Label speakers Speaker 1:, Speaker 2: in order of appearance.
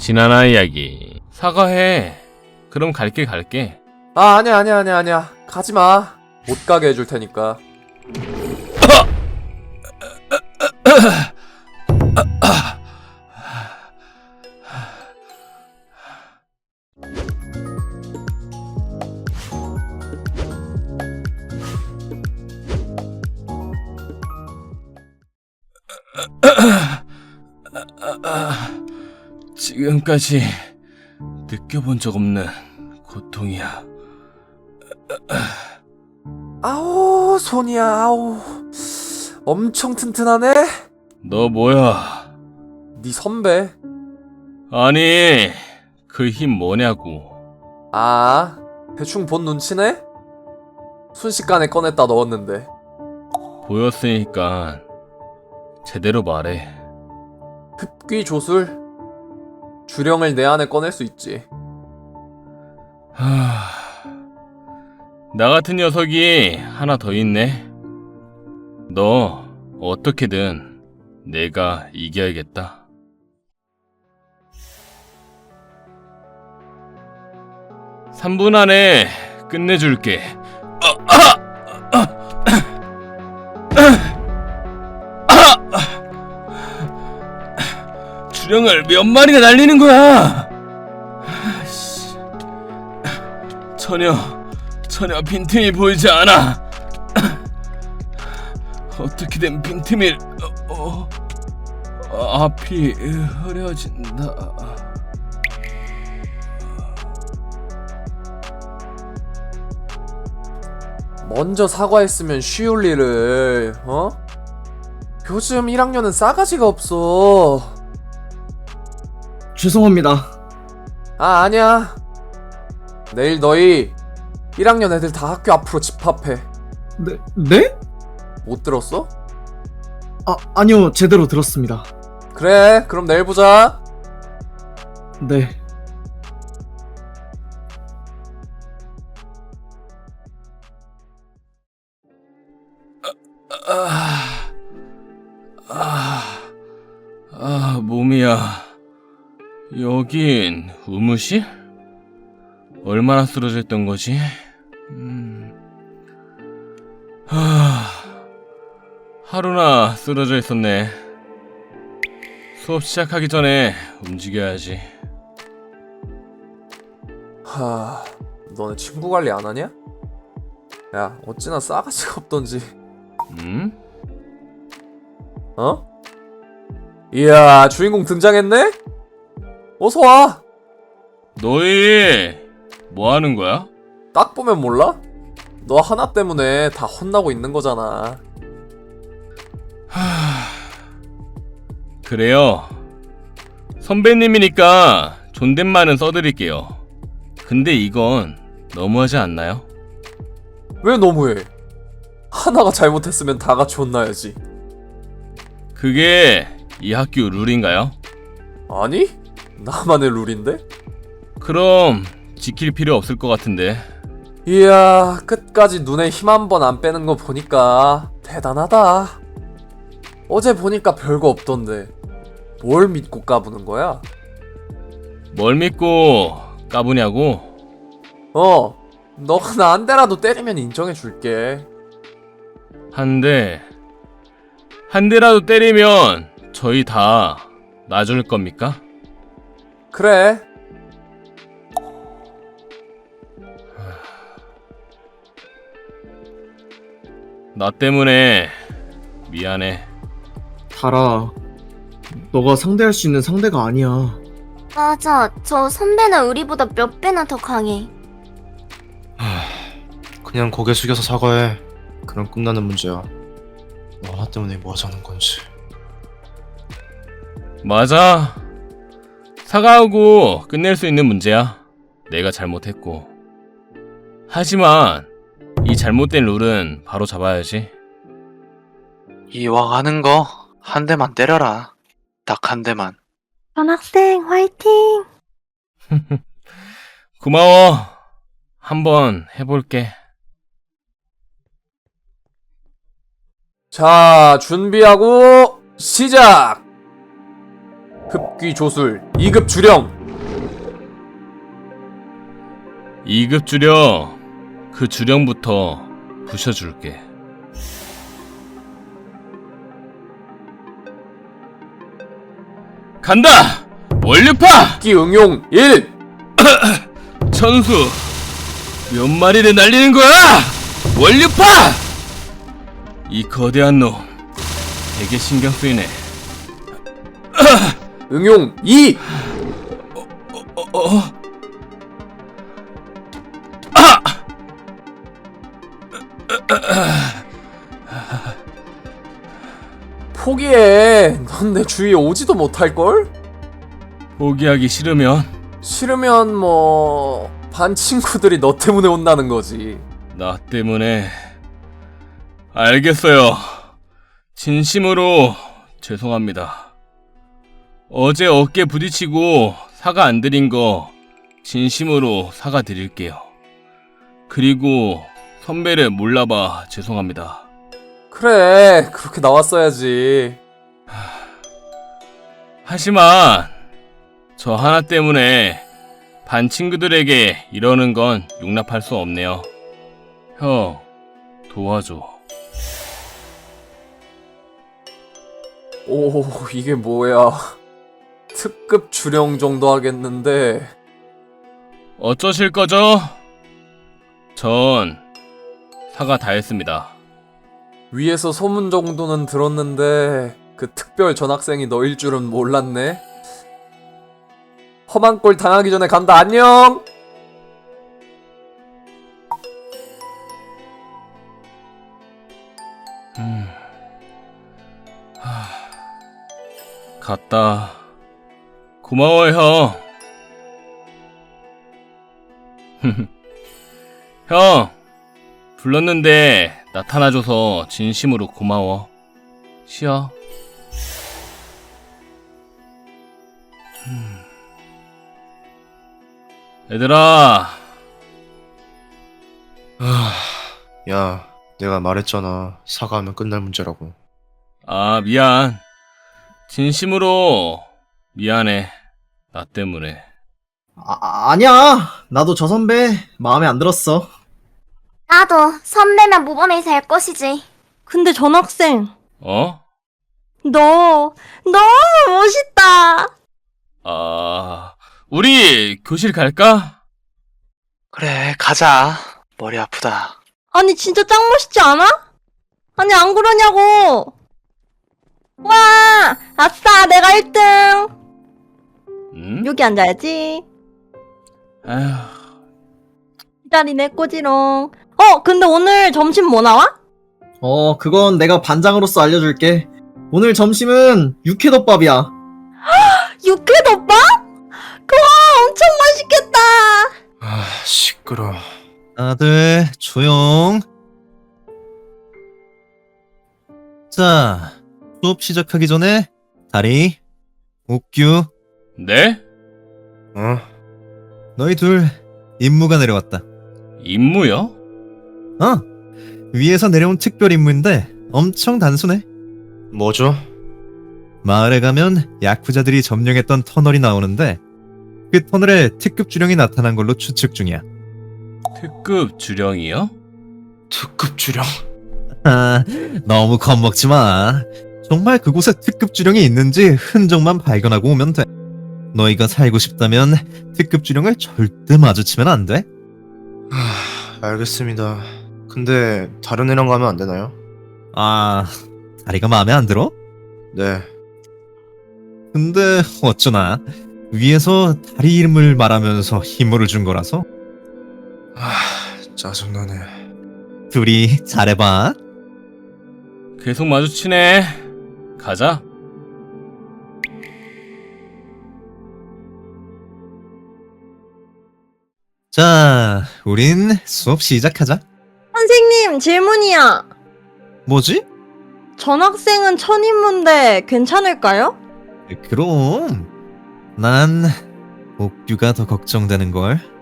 Speaker 1: 지나나 이야기. 사과해. 그럼 갈게.
Speaker 2: 아, 아니야. 가지마. 못 가게 해줄 테니까.
Speaker 1: 지금까지 느껴본 적 없는 고통이야.
Speaker 2: 아오, 손이야, 아오. 엄청 튼튼하네?
Speaker 1: 너 뭐야?
Speaker 2: 네 선배.
Speaker 1: 아니, 그 힘 뭐냐고.
Speaker 2: 아, 대충 본 눈치네? 순식간에 꺼냈다 넣었는데.
Speaker 1: 보였으니까 제대로 말해.
Speaker 2: 흡귀 조술? 주령을 내 안에 꺼낼 수 있지.
Speaker 1: 나 같은 녀석이 하나 더 있네. 너 어떻게든 내가 이겨야겠다. (3분) 안에 끝내줄게. 주령을 몇 마리가 날리는 거야? 전혀 빈틈이 보이지 않아. 어떻게든 빈틈이 앞이 흐려진다.
Speaker 2: 먼저 사과했으면 쉬울 일을, 어? 요즘 1학년은 싸가지가 없어.
Speaker 3: 죄송합니다.
Speaker 2: 아, 아니야. 내일 너희 1학년 애들 다 학교 앞으로 집합해.
Speaker 3: 네?
Speaker 2: 못 들었어?
Speaker 3: 아니요, 제대로 들었습니다.
Speaker 2: 그래, 그럼 내일 보자.
Speaker 3: 네.
Speaker 1: 몸이야. 여긴 의무실? 얼마나 쓰러져 있던 거지? 하루나 쓰러져 있었네. 수업 시작하기 전에 움직여야지.
Speaker 2: 너네 친구 관리 안 하냐? 야, 어찌나 싸가지가 없던지. 어? 이야, 주인공 등장했네? 어서와.
Speaker 1: 너희 뭐 하는 거야?
Speaker 2: 딱 보면 몰라? 너 하나 때문에 다 혼나고 있는 거잖아.
Speaker 1: 그래요. 선배님이니까 존댓말은 써드릴게요. 근데 이건 너무하지 않나요?
Speaker 2: 왜 너무해? 하나가 잘못했으면 다 같이 혼나야지.
Speaker 1: 그게 이 학교 룰인가요?
Speaker 2: 아니? 나만의 룰인데?
Speaker 1: 그럼 지킬 필요 없을 것 같은데.
Speaker 2: 이야, 끝까지 눈에 힘 한 번 안 빼는 거 보니까 대단하다. 어제 보니까 별거 없던데 뭘 믿고 까부는 거야?
Speaker 1: 뭘 믿고 까부냐고?
Speaker 2: 너가 나 한 대라도 때리면 인정해줄게.
Speaker 1: 한 대라도 때리면 저희 다 놔줄 겁니까?
Speaker 2: 그래.
Speaker 1: 나 때문에 미안해.
Speaker 3: 달아, 너가 상대할 수 있는 상대가 아니야.
Speaker 4: 맞아. 저 선배는 우리보다 몇 배나 더 강해.
Speaker 5: 그냥 고개 숙여서 사과해. 그럼 끝나는 문제야. 너 하나 때문에 뭐 하자는 건지.
Speaker 1: 맞아. 사과하고 끝낼 수 있는 문제야. 내가 잘못했고. 하지만 이 잘못된 룰은 바로 잡아야지.
Speaker 6: 이왕 하는 거 한 대만 때려라. 딱 한 대만.
Speaker 4: 전학생 화이팅!
Speaker 1: 고마워. 한번 해볼게.
Speaker 2: 자, 준비하고 시작! 흡귀 조술 2급 주령
Speaker 1: 2급 주령, 그 주령부터 부셔줄게. 간다! 원류파!
Speaker 2: 특기 응용 1!
Speaker 1: 천수, 몇 마리를 날리는 거야? 원류파! 이 거대한 놈, 되게 신경 쓰이네.
Speaker 2: 응용 2! 포기해. 넌 내 주위에 오지도 못할걸?
Speaker 1: 포기하기 싫으면
Speaker 2: 싫으면 뭐... 반 친구들이 너 때문에 온다는 거지.
Speaker 1: 나 때문에. 알겠어요. 진심으로 죄송합니다. 어제 어깨 부딪히고 사과 안 드린 거 진심으로 사과드릴게요. 그리고 선배를 몰라봐 죄송합니다.
Speaker 2: 그래, 그렇게 나왔어야지.
Speaker 1: 하지만 저 하나 때문에 반 친구들에게 이러는 건 용납할 수 없네요. 형, 도와줘.
Speaker 2: 오, 이게 뭐야. 특급 주령 정도 하겠는데.
Speaker 1: 어쩌실 거죠? 전 사과 다 했습니다.
Speaker 2: 위에서 소문 정도는 들었는데 그 특별 전학생이 너일 줄은 몰랐네. 험한 꼴 당하기 전에 간다. 안녕.
Speaker 1: 갔다. 고마워 형. 형, 불렀는데 나타나줘서 진심으로 고마워. 쉬어. 얘들아,
Speaker 5: 야, 내가 말했잖아. 사과하면 끝날 문제라고.
Speaker 1: 아 미안. 진심으로 미안해. 나 때문에.
Speaker 3: 아니야. 나도 저 선배 마음에 안 들었어.
Speaker 4: 나도 선배면 모범이 될 것이지.
Speaker 7: 근데 전학생,
Speaker 1: 어?
Speaker 7: 너 너무 멋있다.
Speaker 1: 아, 우리 교실 갈까?
Speaker 6: 그래, 가자. 머리 아프다.
Speaker 7: 아니 진짜 짱 멋있지 않아? 아니 안 그러냐고. 와, 아싸, 내가 1등.
Speaker 1: 응?
Speaker 7: 여기 앉아야지.
Speaker 1: 아휴,
Speaker 7: 이 자리 내 꼬지롱. 근데 오늘 점심 뭐 나와?
Speaker 3: 그건 내가 반장으로서 알려줄게. 오늘 점심은 육회덮밥이야.
Speaker 7: 육회덮밥? 그와 엄청 맛있겠다.
Speaker 5: 아, 시끄러.
Speaker 8: 다들 조용. 자, 수업 시작하기 전에 다리, 옥규,
Speaker 1: 네?
Speaker 5: 어?
Speaker 8: 너희 둘 임무가 내려왔다.
Speaker 1: 임무요?
Speaker 8: 위에서 내려온 특별 임무인데 엄청 단순해.
Speaker 5: 뭐죠?
Speaker 8: 마을에 가면 야쿠자들이 점령했던 터널이 나오는데 그 터널에 특급 주령이 나타난 걸로 추측 중이야.
Speaker 1: 특급 주령이요?
Speaker 5: 특급 주령?
Speaker 8: 아, 너무 겁먹지 마. 정말 그곳에 특급 주령이 있는지 흔적만 발견하고 오면 돼. 너희가 살고 싶다면 특급 주령을 절대 마주치면 안 돼.
Speaker 5: 알겠습니다. 근데 다른 애랑 가면 안 되나요?
Speaker 8: 아, 다리가 마음에 안 들어?
Speaker 5: 네.
Speaker 8: 근데 어쩌나 위에서 다리 이름을 말하면서 힘을 준 거라서
Speaker 5: 짜증나네.
Speaker 8: 둘이 잘해봐.
Speaker 1: 계속 마주치네. 가자.
Speaker 8: 자, 우린 수업 시작하자.
Speaker 7: 선생님, 질문이야.
Speaker 8: 뭐지?
Speaker 7: 전학생은 천인문데 괜찮을까요?
Speaker 8: 그럼 난 옥규가 더 걱정되는걸.